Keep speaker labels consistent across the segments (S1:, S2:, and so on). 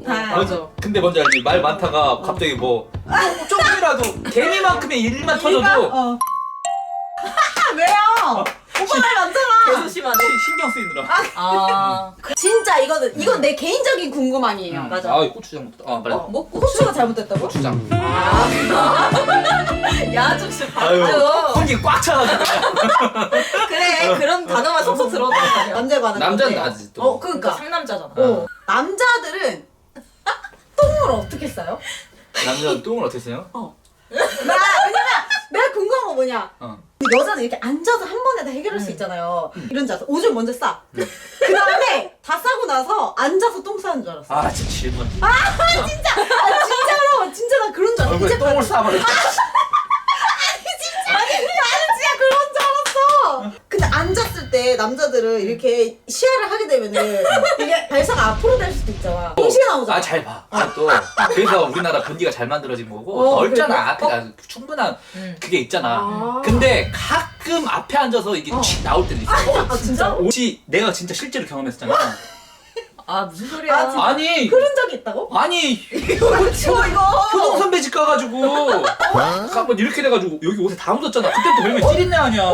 S1: 맞아.
S2: 근데 뭔지 알지? 말 많다가 갑자기 뭐 조금이라도 개미만큼의 일만 터져도
S3: 왜요? 오빠 말 많잖아.
S1: 계속 심하네.
S2: 신경 쓰이느라.
S3: 진짜 이건 내 개인적인 궁금함이에요.
S1: 맞아.
S2: 아, 고추장 먹다. 아, 빨리.
S3: 뭐 고추가 잘못됐다고?
S2: 고추장.
S1: 야, 좀 씨.
S2: 아유, 공기 꽉 차가지고.
S1: 그래, 그런 단어만 속속 들어온단 말이야.
S3: 남자 반응.
S2: 남자는 나지 또.
S3: 그러니까.
S1: 그러니까 상남자잖아.
S3: 남자들은 똥을 어떻게 싸요?
S2: 남자는 똥을 어떻게 써요?
S3: 왜냐면 내가 궁금한 거 뭐냐? 여자는 이렇게 앉아서 한 번에 다 해결할 수 있잖아요. 이런 자세. 오줌 먼저 싸. 그 다음에 다 싸고 나서 앉아서 똥 싸는 줄 알았어.
S2: 아, 진짜 질문.
S3: 진짜로 진짜 나 그런 줄 알았어.
S2: 얼굴에 똥을 싸버려.
S3: 진짜 그런 줄 알았어. 근데 앉았을 때 남자들은 이렇게 시야를 하게 되면은 이게 발사가 앞으로 될 수도 있잖아. 흰시가 나오잖아.
S2: 아, 잘 봐. 또 그래서 우리나라 변기가 잘 만들어진 거고 넓잖아.
S3: 그래?
S2: 앞에 충분한 그게 있잖아. 근데 가끔 앞에 앉아서 이게 칙 나올 때도 있어.
S3: 아 진짜?
S2: 혹시 내가 진짜 실제로 경험했었잖아.
S1: 아, 무슨 소리야.
S3: 아, 진짜?
S2: 아니,
S3: 그런 적이 있다고?
S2: 아니
S3: 이거 치워 이거.
S2: 효동 선배 집 가가지고 한번 이렇게 돼가지고 여기 옷에 다 묻었잖아. 그때부터 별명 찌린내 아니야.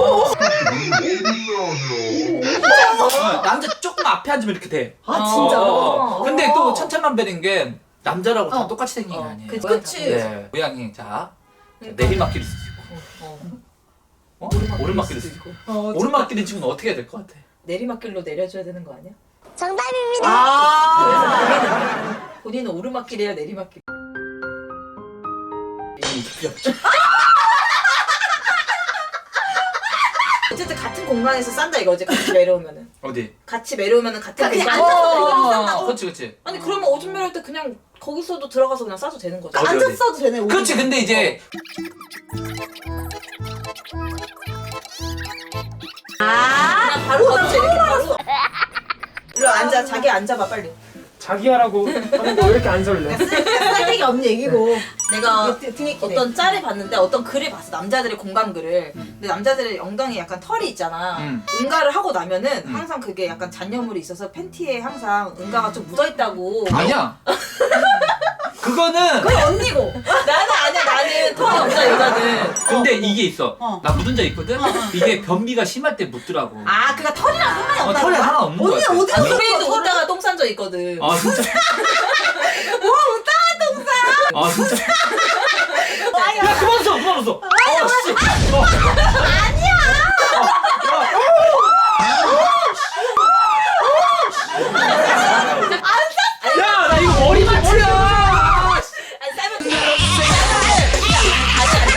S2: 남자 조금 앞에 앉으면 이렇게 돼.
S3: 아 진짜?
S2: 근데 또 천차만별인 게 남자라고 다 똑같이 생긴 게 아니에요.
S3: 그치.
S2: 네, 모양이 자 내리막길일 수도 있고, 오르막길일 수도 있고. 오르막길인 친구는 어떻게 해야 될 것 같아?
S1: 내리막길로 내려줘야 되는 거 아니야?
S3: 아.
S1: 본인은 오르막길이야, 내리막길. 어쨌든 같은 공간에서 싼다 이거지, 같이 내려오면은.
S2: 어디?
S1: 같이 내려오면은 같은
S3: 그냥
S1: 공간에서
S3: 앉아서
S1: 싼다고?
S2: 그렇지, 그렇지.
S1: 아니, 그러면 오줌 매를 때 그냥 거기서도 들어가서 그냥 싸도 되는 거지.
S2: 어디, 어디?
S3: 앉았어도 되네.
S2: 그렇지. 근데 이제
S1: 그냥 바로 가서 이렇게 바로. 일로 앉아, 자기 앉아봐, 빨리.
S4: 자기 하라고 하는 거 왜 이렇게 안 설레?
S3: 쓸데기 없는 얘기고.
S1: 내가
S3: 등에
S1: 어떤 짤을 봤는데 어떤 글을 봤어, 남자들의 공감글을. 근데 남자들의 엉덩이에 약간 털이 있잖아. 응가를 하고 나면은 항상 그게 약간 잔여물이 있어서 팬티에 항상 응가가 좀 묻어있다고.
S2: 아니야. 그거는
S3: 그건 언니고.
S1: 나는 아니야, 나는 털이 없어, 여자는.
S2: 근데 이게 있어. 나 묻은 적 있거든. 이게 변비가 심할 때 묻더라고.
S3: 아 그니까 털이랑 상관이 없다.
S2: 털이 하나 없는 거야.
S3: 언니 어디서
S1: 우리도 웃다가 똥 싼 적 있거든.
S2: 아 진짜.
S3: 뭐 웃다가 똥 싸?
S2: 아 진짜. 야 그만 써, 그만 써. 씨. 야, 나 이거 머리 맞추야.
S1: 아니, 싸면 다시 안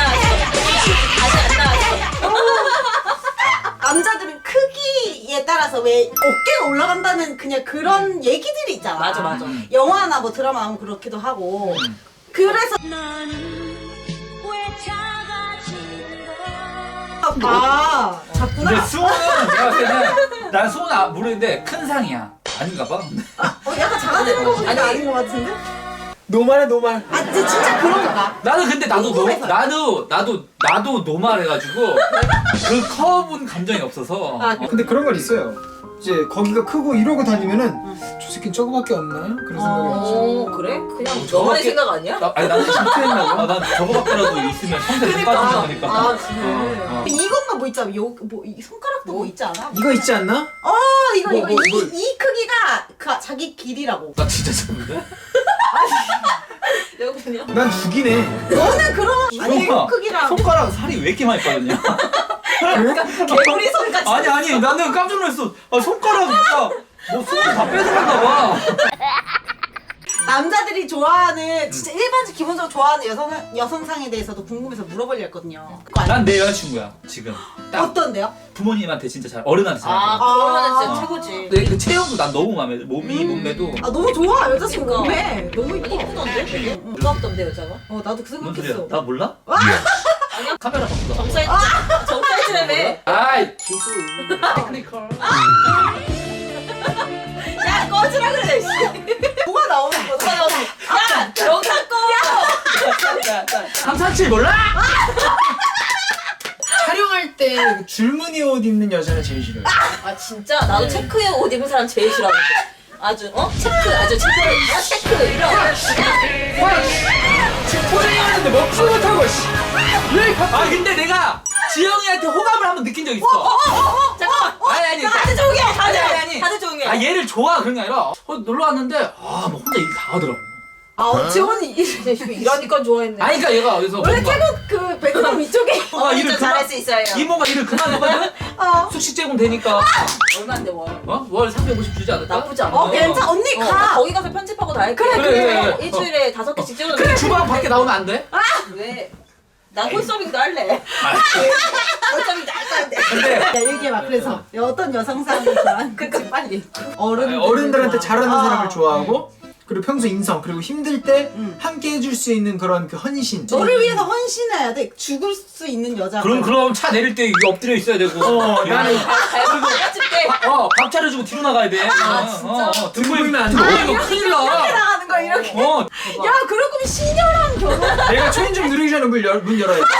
S1: 나왔어.
S3: 남자들은 크기에 따라서 왜 어깨가 올라간다는 그냥 그런 얘기들이 있잖아.
S1: 맞아, 맞아.
S3: 영화나 뭐 드라마 나오면 그렇기도 하고. 그래서 아
S2: 근데
S3: 작구나.
S2: 수호는 내가 봤을 때는 난 수호는 모르는데 큰 상이야. 아닌가 봐.
S3: 약간 작아지는 거 보니까 아닌 것 같은데?
S4: 노말해 노말.
S3: 아 진짜 그런가 봐.
S2: 나는 근데
S3: 궁금해서.
S2: 나도 노말해가지고 그 커브는 감정이 없어서.
S4: 근데 그런 건 있어요. 이제 거기가 크고 이러고 다니면은 저 새끼 저거밖에 없나? 그런 생각이 있죠.
S1: 오, 그래? 그냥
S2: 저거밖에-
S1: 너만의 생각 아니야?
S2: 아니 나는 실패했나고? 난 저거밖에라도 있으면 평생 못 빠진다 보니까.
S3: 아 그래. 이것만 뭐 있잖아. 이 손가락도 뭐 있지 않아?
S4: 이거 있지 않나?
S3: 이거
S4: 뭐, 뭐.
S3: 이 크기가 그 자기 길이라고.
S2: 나 진짜 작은데?
S1: 여기요.
S4: 난 죽이네.
S3: 너는 그런 아니
S2: 수호가
S3: 크기랑.
S2: 손가락 살이 왜 이렇게 많이 빠졌냐?
S1: 개구리 손같이.
S2: 아니 나는 깜짝 놀랐어. 손가락 진짜 뭐 손을 다 뺏어갔나 봐.
S3: 남자들이 좋아하는 진짜 일반적 기본적으로 좋아하는 여성상에 대해서도 궁금해서 물어보려 했거든요. 그거 아니야?
S2: 난 내 여자친구야 지금. 딱
S3: 어떤데요?
S2: 부모님한테 진짜 잘 어른한테 잘.
S1: 아, 그러면 진짜 최고지.
S2: 근데 그 체형도 난 너무 마음에 들어. 몸매도.
S3: 아 너무 좋아 여자친구
S1: 그러니까.
S3: 몸매 너무
S1: 아니,
S3: 이뻐.
S1: 이쁘던데? 부럽던데, 여자가?
S3: 나도 그
S2: 뭔 소리야?
S3: 생각했어.
S2: 나 몰라?
S1: 아니야.
S2: 카메라 바꾸다.
S1: 정사이트라며.
S2: 아이 기술. 테크니컬.
S1: 야, 꺼지라 그래, 씨.
S3: 뭐가 나오는 거야?
S1: 누가 나오지? 야, 영상 꺼!
S2: 347 몰라?
S4: 촬영할 때 줄무늬 옷 입는 여자는 제일 싫어요.
S1: 아, 진짜? 나도 체크해 옷 입은 사람 제일 싫어하는데. 아주 체크 아주 체크 이런.
S4: 포장이 하는데 먹지도 못하고 씨. 왜
S2: 아 근데 내가 지영이한테 호감을 한번 느낀 적 있어.
S1: 잠깐만.
S2: 아니
S1: 다들 조용해.
S2: 아니.
S1: 다들 조용해.
S2: 아 얘를 좋아 그런 게 아니라 놀러 왔는데 뭐 혼자 일 다 하더라고.
S3: 지원이
S1: 이러니까 좋아했네.
S2: 아니 그러니까 얘가 어디서
S3: 원래
S2: 뭔가
S3: 태국 그 베트남 이쪽에
S2: 일을
S1: 잘할 수 있어요.
S2: 이모가 일을 그만하거든. 숙식 제공 되니까
S1: 얼마인데 월?
S2: 월 350 주지 않을까?
S1: 나쁘지 않아.
S3: 괜찮아 언니
S1: 나
S3: 가.
S1: 거기 가서 편집하고 다 할게.
S2: 그래.
S1: 일주일에 5개씩 찍어도
S2: 근데 주방 밖에 나오면 안 돼?
S1: 왜? 난 홀서빙도 할래. 홀서빙도 할 건데.
S2: 근데
S3: 야 얘기해봐. 그래서 어떤 여성상을 좋아하는 건지 빨리.
S4: 어른들한테 잘하는 사람을
S3: 아.
S4: 좋아하고 그리고 평소 인성 그리고 힘들 때 함께 해줄 수 있는 그런 그 헌신.
S3: 너를 위해서 헌신해야 돼. 죽을 수 있는 여자.
S2: 그럼 차 내릴 때 이게 엎드려 있어야 되고.
S4: 나는
S1: 갈비고 해줄게.
S2: 밥 차려주고 뒤로 나가야 돼.
S1: 진짜?
S2: 들고
S4: 보이면 안 돼.
S2: 이거 큰일 나.
S3: 나가는 거야 이렇게. 야 그럴 거면 신녀랑 결혼.
S4: 내가 초인종 누르기 전에 문 열어야 돼.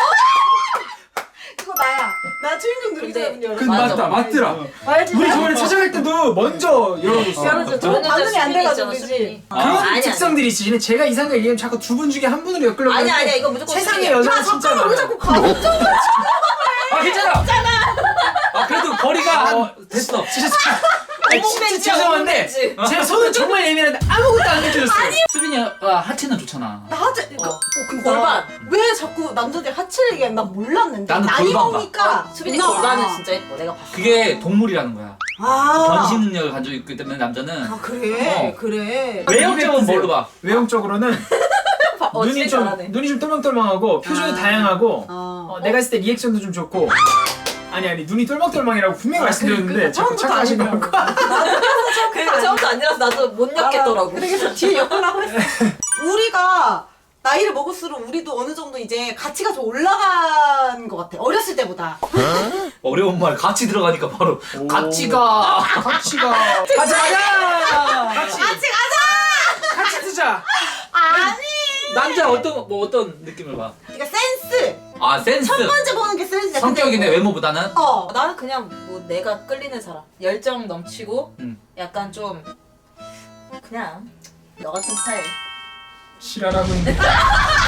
S3: 그거 나야. 나 초인종 누르기 전에 문 열어.
S4: 그
S1: 맞아.
S4: 맞더라.
S3: 알지?
S4: 우리 저번에 찾아갈 때도 먼저 열어줬어.
S3: 열어줘. 저거 반응이 안 돼가지고 그지.
S4: 그런
S1: 아니,
S4: 특성들이 있지. 근데 제가 이상하게 얘기하면 자꾸 두 분 중에 한 분으로 엮으려고
S1: 아니야
S4: 하는데
S1: 이거 무조건
S4: 세상에
S1: 수빈이야.
S4: 여자는 진짜
S3: 잠깐만 왜
S4: 많아.
S3: 자꾸 감정을
S2: 괜찮아. 그래도 거리가 됐어.
S4: 진짜 죄송한데 제 손은 정말 예민한데 아무것도 안 느껴졌어요.
S2: 수빈이가 하체는 좋잖아.
S3: 나 하재
S1: 골반.
S3: 골반 왜 자꾸 남자들 하체를 얘기해? 난 몰랐는데
S2: 나는
S3: 나이
S2: 골반 봐.
S3: 먹으니까
S1: 수빈이
S3: 누나가.
S1: 골반은 진짜 예뻐. 내가 봤어.
S2: 그게 동물이라는 거야. 변신 능력을 가지고 있기 때문에 남자는
S3: 그래 그래
S2: 외형적은 뭘로 봐?
S4: 외형적으로는 눈이 좀 똘망똘망하고 표정이 다양하고 내가 했을 때 리액션도 좀 좋고 아니 눈이 똘망똘망이라고 분명히 말씀드렸는데 자꾸
S3: 처음부터
S4: 착각하시는 거.
S1: 그러니까 처음부터 아니라서 나도 못 엮겠더라고.
S3: 그래서 뒤에 엮으라고 했어. 우리가 나이를 먹을수록 우리도 어느 정도 이제 가치가 좀 올라간 것 같아. 어렸을 때보다.
S2: 어려운 말 같이 들어가니까 바로 가치가
S4: 가자
S3: 같이 가자!
S4: 같이 쓰자.
S3: 아니!
S2: 남자 어떤 느낌을 봐?
S3: 그러니까 센스!
S2: 센스.
S3: 첫 번째 보는 게 센스야.
S2: 성격이네 외모보다는.
S1: 나는 그냥 뭐 내가 끌리는 사람. 열정 넘치고 약간 좀 그냥 너 같은 스타일.
S4: 실화라고 있는데.